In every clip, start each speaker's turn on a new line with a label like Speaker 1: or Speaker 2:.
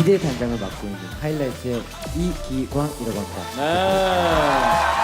Speaker 1: 2대 단장을 맡고 있는 하이라이트의 이기광이라고 합니다.
Speaker 2: 네.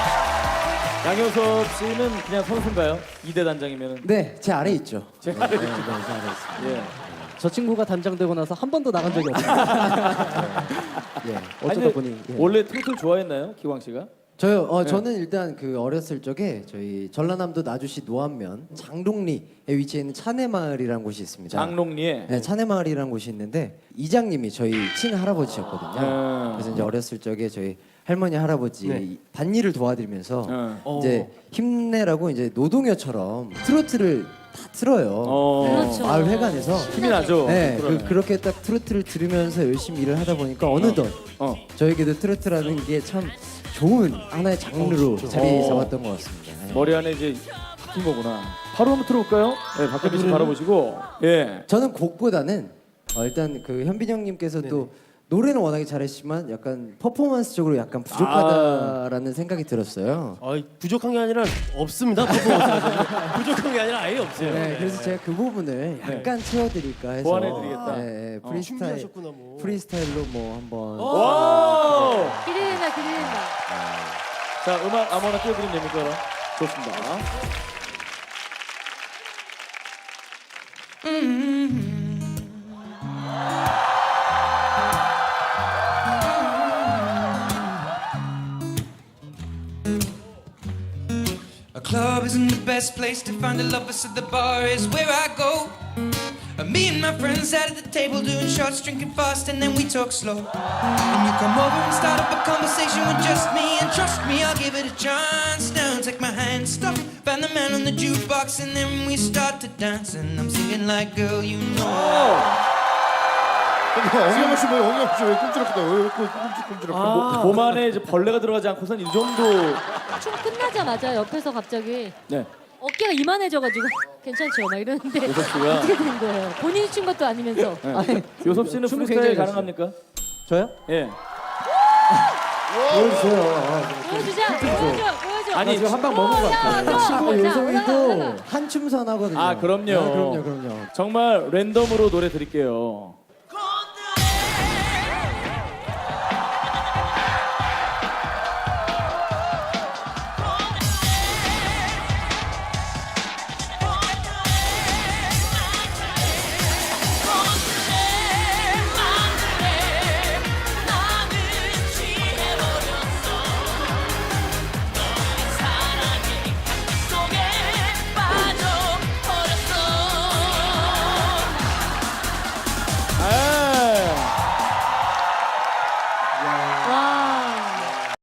Speaker 2: 양효섭 씨는 그냥 선수인가요? 2대 단장이면은.
Speaker 1: 네, 제 아래 있죠.
Speaker 2: 제 아래
Speaker 1: 네, 제 아래 있습니다.
Speaker 2: 예.
Speaker 3: 저 친구가 단장되고 나서 한 번도 나간 적이 없어요. 예,
Speaker 2: 아니,
Speaker 3: 어쩌다
Speaker 2: 근데
Speaker 3: 보니 예.
Speaker 2: 원래 트로트를 좋아했나요, 기광 씨가?
Speaker 1: 저요. 저는 일단 그 어렸을 적에 저희 전라남도 나주시 노안면 장롱리에 위치해 있는 차내마을이라는 곳이 있습니다.
Speaker 2: 장롱리에.
Speaker 1: 네, 차내마을이라는 곳이 있는데 이장님이 저희 친할아버지셨거든요. 그래서 이제 어렸을 적에 저희 할머니 할아버지 밭일을 도와드리면서 이제 힘내라고 이제 노동요처럼 트로트를 다 틀어요. 네,
Speaker 4: 그렇죠.
Speaker 1: 마을 회관에서.
Speaker 2: 힘이 나죠.
Speaker 1: 네,
Speaker 2: 그러네.
Speaker 1: 그렇게 딱 트로트를 들으면서 열심히 일을 하다 보니까 어느덧 저에게도 트로트라는 게 참 좋은 하나의 장르로 자리 잡았던 것 같습니다. 네.
Speaker 2: 머리 안에 이제 낀 거구나. 바로 한번 들어볼까요? 네, 박현빈 씨 바라보시고. 예.
Speaker 1: 저는 곡보다는 일단 그 현빈 형님께서도 노래는 워낙에 잘했지만 약간 퍼포먼스적으로 약간 부족하다라는 생각이 들었어요.
Speaker 5: 부족한 게 아니라 없습니다. 퍼포먼스가. 부족한 게 아니라 아예 없어요.
Speaker 1: 네, 그래서 제가 그 부분을 약간 채워드릴까 해서
Speaker 2: 보완해드리겠다.
Speaker 1: 네,
Speaker 5: 준비하셨구나 뭐.
Speaker 1: 프리스타일로 뭐 한번.
Speaker 2: 와!
Speaker 4: 기대된다, 기대된다.
Speaker 2: 자, 음악 아무나 띄워드리면 됩니까? 좋습니다.
Speaker 6: A club isn't the best place to find a lover, so the bar is where I go. Me and my friends sat at the table doing shots, drinking fast, and then we talk slow. And you come over and start up a conversation with just me, and trust me, I'll give it a chance. Now take my hand, stop, find the man on the jukebox, and then we start to dance. And I'm singing like, girl, you know.
Speaker 7: 엉영 씨 뭐야? 엉영 씨왜 꿈틀었다? 왜 꿈틀꿈틀?
Speaker 2: 몸 안에 이제 벌레가 들어가지 않고선 이 정도.
Speaker 4: 춤 끝나자마자 옆에서 갑자기
Speaker 2: 네.
Speaker 4: 어깨가 이만해져가지고 괜찮죠? 막 이러는데
Speaker 2: 요섭 씨가.
Speaker 4: 어떻게 된 거예요? 본인이 춘 것도 아니면서.
Speaker 2: 네. 요섭 씨는
Speaker 3: 춤은
Speaker 2: 프리스타일
Speaker 3: 굉장히
Speaker 2: 가능합니까?
Speaker 3: 저요?
Speaker 2: 예.
Speaker 1: 보여주세요.
Speaker 4: 보여주자, 보여줘.
Speaker 2: 아니,
Speaker 1: 지금 한 방 먹은 것 같아요.
Speaker 4: 친구
Speaker 1: 요성이도 한춤 선하거든요.
Speaker 2: 아, 그럼요.
Speaker 1: 그럼요.
Speaker 2: 정말 랜덤으로 노래 드릴게요.